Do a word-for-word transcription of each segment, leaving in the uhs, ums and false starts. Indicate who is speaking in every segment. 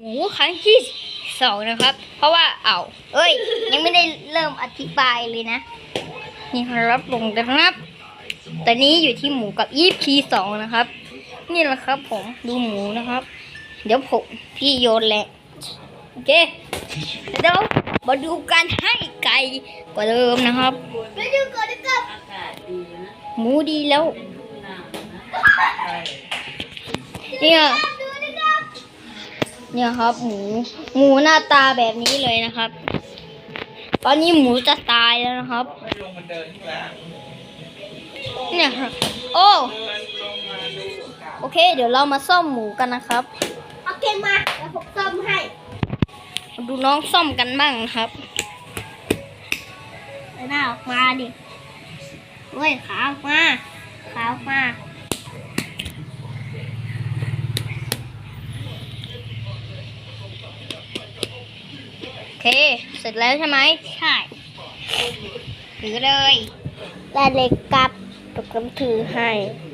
Speaker 1: มูครั้งที่สองนะครับเพราะว่าเอาเอ้ยยังไม่ได้เริ่มอธิบายเลยนะนี่ครับลงนะครับตอนนี้อยู่ที่หมูกับอีพีสองนะครับนี่แหละครับผมดูหมูนะครับเดี๋ยวผมพี่โยนแหละโอเคเดี๋ยวมาดูการให้ไก่กว่าเดิมนะครับไปดูก่อนนะครับหมูดีแล้วเนี่ยเนี่ยครับหมูหมูหน้าตาแบบนี้เลยนะครับตอนนี้หมูจะตายแล้วนะครับเนี่ยครับโอ้โอเคเดี๋ยวเรามาซ่อมหมูกันนะครับโอเคมาแล้วผมซ่อมให้ดูน้องซ่อมกันบ้างครับหน้าออกมาดิเว้ยขาออกมาขาออกมาโอเคเสร็จแล้วใช่ไหมใช่ถือเลยได้เลยกับตกน้ำถือให้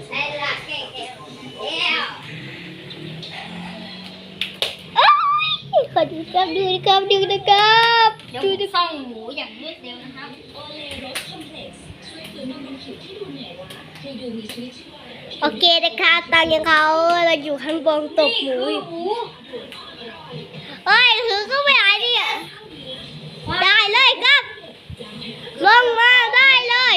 Speaker 1: ขอดูครับดูนะครับดูนะครับดูนะครับหมูอย่างรวดเร็วนะครับโอเคนะคะตอนนี้เขาเราอยู่ข้างบนตกหมูเฮ้ยถือก็ไม่ไหวดิได้เลยครับลงมาได้เลย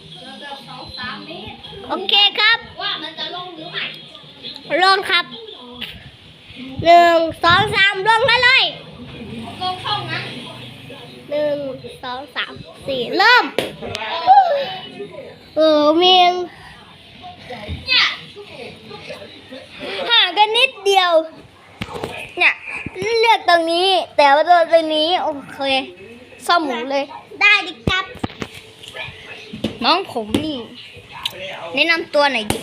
Speaker 1: โอเคครับว่ามันจะลงหรือไม่ลงครับหนึ่งสองสามลงได้เลยลงช่องนั้นหนึ่งสองสามสี่เริ่มเออเมียงห่างกันนิดเดียวเนี่ยเลือกตรงนี้แต่ว่าตัวตรงนี้โอเคซ่อมหมูเลยได้ดิครับน้องผมนี่แนะนำตัวหน่อยดิ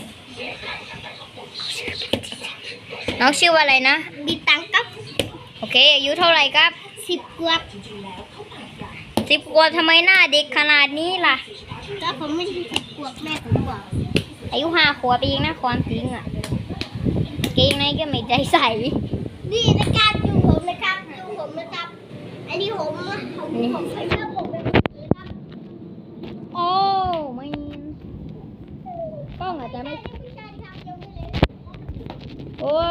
Speaker 1: น้องชื่อว่าอะไรนะบีตังครับโอเคอายุเท่าไหร่ครับสิบขวบสิบขวบทำไมหน้าเด็กขนาดนี้ล่ะก็ผมไม่ใช่สิบขวบแม่ผมบอกอายุห้าขวบเองนะความจริงอ่ะเก่งไหนก็ไม่ใจใส่นี่นะครับดูผมนะครับดูผมนะครับอันนี้ผมผมผมใส่เสื้อผมเป็นสีครับโอ้ไม่กล้องอาจจะไม่โอ้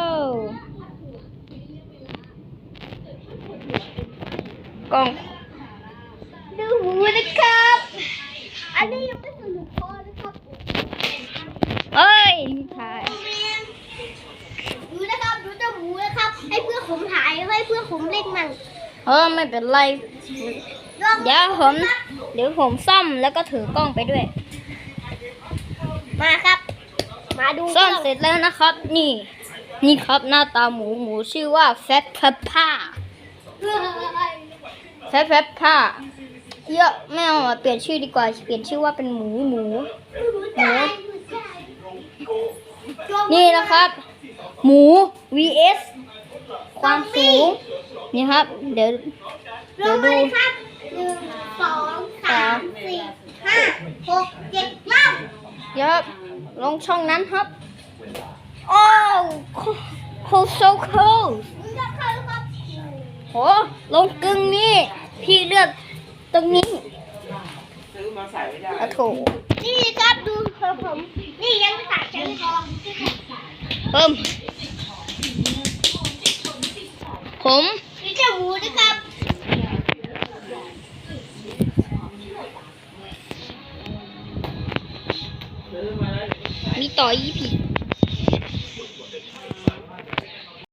Speaker 1: กล้องดูหมูนะครับอันนี้ยังไม่สนุกพอนะครับเอ้ยถ่ายดูนะครับดูเจ้าหมูนะครับให้เพื่อนผมถ่ายให้เพื่อนผมเล่นมันเออไม่เป็นไรเดี๋ยวผมเดี๋ยวผมซ่อมแล้วก็ถือกล้องไปด้วยมาครับมาดูซ่อมเสร็จแล้วนะครับนี่นี่ครับหน้าตาหมูหมูชื่อว่าแฟตเพปป้าแฟตเพปป้าเยอะไม่เอาเปลี่ยนชื่อดีกว่าเปลี่ยนชื่อว่าเป็นหมูหมูหมูนี่นะครับหมู วี เอส ความสูงนี่ครับเดี๋ยวเดี๋ยวดูครับหนึ่งสองสามสี่ห้าหกเจ็ดเก้าเยอะลงช่องนั้นครับโอ้โคโซโคโหลงกึ่งนี้พี่เลือกตรงนี้ซื้อมาใส่ไม่ได้โถนี่ครับดูผมนี่ยังไม่ตัดชั้นทองเพิ่มผมนี่เจ้าหมูนะครับมีต่อยี่ผี